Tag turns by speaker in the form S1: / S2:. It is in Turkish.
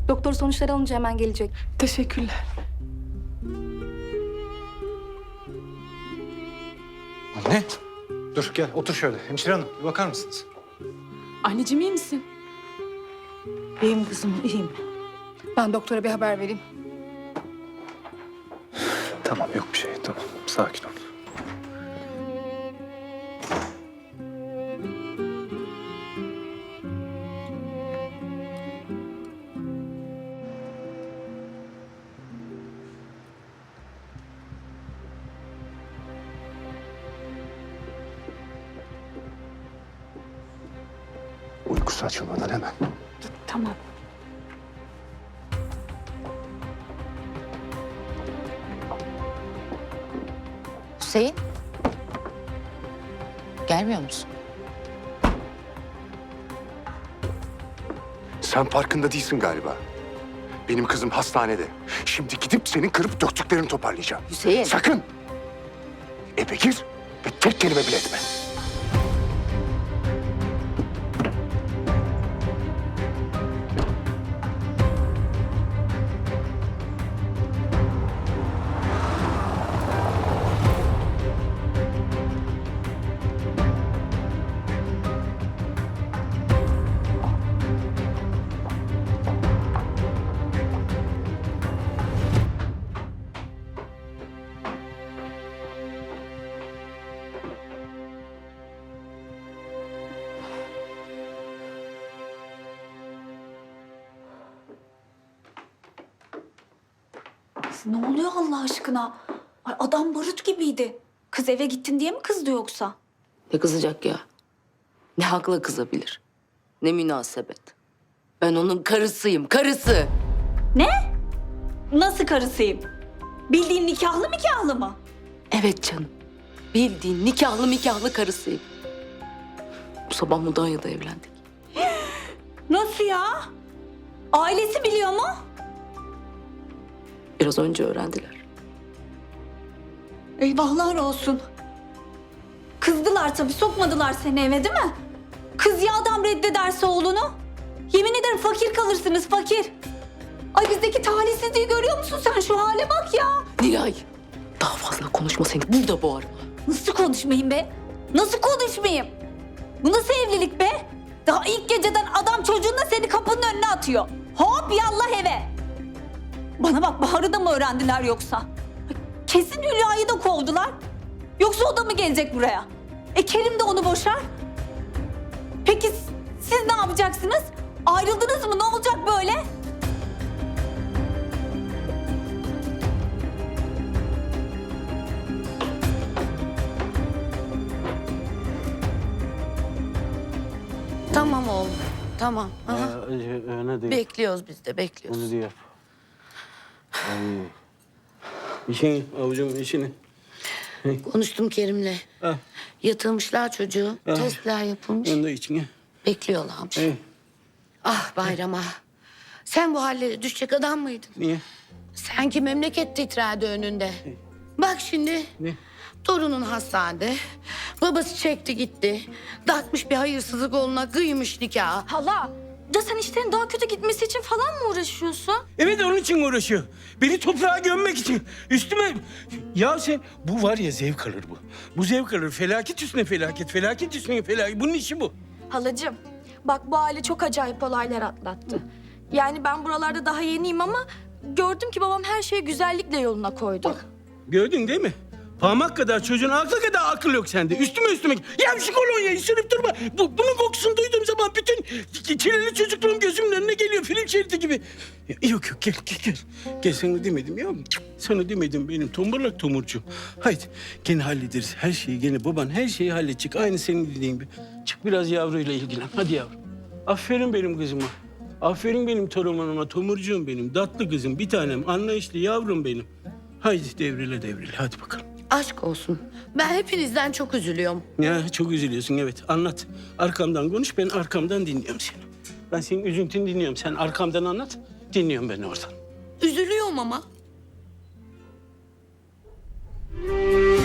S1: Doktor sonuçları alınca hemen gelecek.
S2: Teşekkürler.
S3: Anne. Dur gel otur şöyle. Hemşire hanım bir bakar mısınız?
S2: Anneciğim iyi misin?
S4: İyiyim kızım, iyiyim.
S1: Ben doktora bir haber vereyim.
S3: Tamam yok bir şey tamam. Sakin ol. Uykusu açılmadan hemen.
S2: Tamam.
S4: Hüseyin. Gelmiyor musun?
S5: Sen farkında değilsin galiba. Benim kızım hastanede. Şimdi gidip senin kırıp döktüklerini toparlayacağım.
S4: Hüseyin.
S5: Sakın! Eve gir ve tek kelime bile etme.
S6: Ne oluyor Allah aşkına? Ay adam barut gibiydi. Kız eve gittin diye mi kızdı yoksa?
S7: Ne kızacak ya? Ne hakla kızabilir? Ne münasebet? Ben onun karısıyım, karısı.
S6: Ne? Nasıl karısıyım? Bildiğin nikahlı mı?
S7: Evet canım. Bildiğin nikahlı karısıyım. Bu sabah Mudanya'da evlendik.
S6: Nasıl ya? Ailesi biliyor mu?
S7: Biraz önce öğrendiler.
S6: Eyvahlar olsun. Kızdılar tabii, sokmadılar seni eve değil mi? Kız ya adam reddederse oğlunu? Yemin ederim fakir kalırsınız, fakir. Ay bizdeki talihsizliği görüyor musun sen? Şu hale bak ya.
S7: Nilay, daha fazla konuşma seni. Burada boğarım.
S6: Nasıl konuşmayayım be? Nasıl konuşmayayım? Bu nasıl evlilik be? Daha ilk geceden adam çocuğunla seni kapının önüne atıyor. Hop yallah eve. Bana bak, Bahar'ı da mı öğrendiler yoksa? Kesin Hülya'yı da kovdular. Yoksa o da mı gelecek buraya? Kerim de onu boşar. Peki siz ne yapacaksınız? Ayrıldınız mı? Ne olacak böyle?
S7: Tamam oğlum, tamam. Aha.
S8: Öyle değil.
S7: Bekliyoruz biz de, bekliyoruz.
S8: Onu diyor. Ay. İşini, avucum işini.
S7: Konuştum Kerim'le.
S8: Ha.
S7: Yatırmışlar çocuğu,
S8: Ha.
S7: testler yapılmış.
S8: Onu da içine.
S7: Bekliyorlarmış.
S8: Hey,
S7: Ah Bayram ah. Sen bu hallere düşecek adam mıydın?
S8: niye?
S7: Sanki memleket titrerdi önünde. Bak şimdi.
S8: Ne?
S7: Torunun hastanede. Babası çekti gitti. Dağıtmış bir hayırsızlık oğluna, kıymış nikahı.
S6: Hala, ya sen işlerin daha kötü gitmesi için falan mı uğraşıyorsun?
S8: Evet onun için uğraşıyor. Beni toprağa gömmek için. Üstüme... Ya sen... Bu var ya zevk alır bu. Bu zevk alır. Felaket üstüne felaket. Felaket üstüne felaket. Bunun işi bu.
S9: Halacığım, bak bu aile çok acayip olaylar atlattı. Yani ben buralarda daha yeniyim ama gördüm ki babam her şeyi güzellikle yoluna koydu.
S8: Gördün değil mi? Parmak kadar çocuğun aklı kadar akıl yok sende. Üstüme. Ya şu kolonyayı sürüp durma. Bunun kokusunu duyduğum zaman bütün çileli çocukluğum gözümün önüne geliyor. Film şeridi gibi. Yok gel. Gel sana demedim ya. Sana demedim benim tombalak tomurcuğum. Haydi gene hallederiz. Her şeyi gene baban her şeyi halledecek. Aynı senin dediğin gibi. Çık biraz yavruyla ilgilen. Hadi yavrum. Aferin benim kızıma. Aferin benim torunuma, tomurcuğum benim. Tatlı kızım, bir tanem, anlayışlı yavrum benim. Haydi devrile. Hadi bakalım.
S7: Aşk olsun. Ben hepinizden çok üzülüyorum.
S8: Ya çok üzülüyorsun evet. Anlat. Arkamdan konuş, ben arkamdan dinliyorum seni. Ben senin üzüntünü dinliyorum. Sen arkamdan anlat, dinliyorum ben oradan.
S7: Üzülüyorum ama.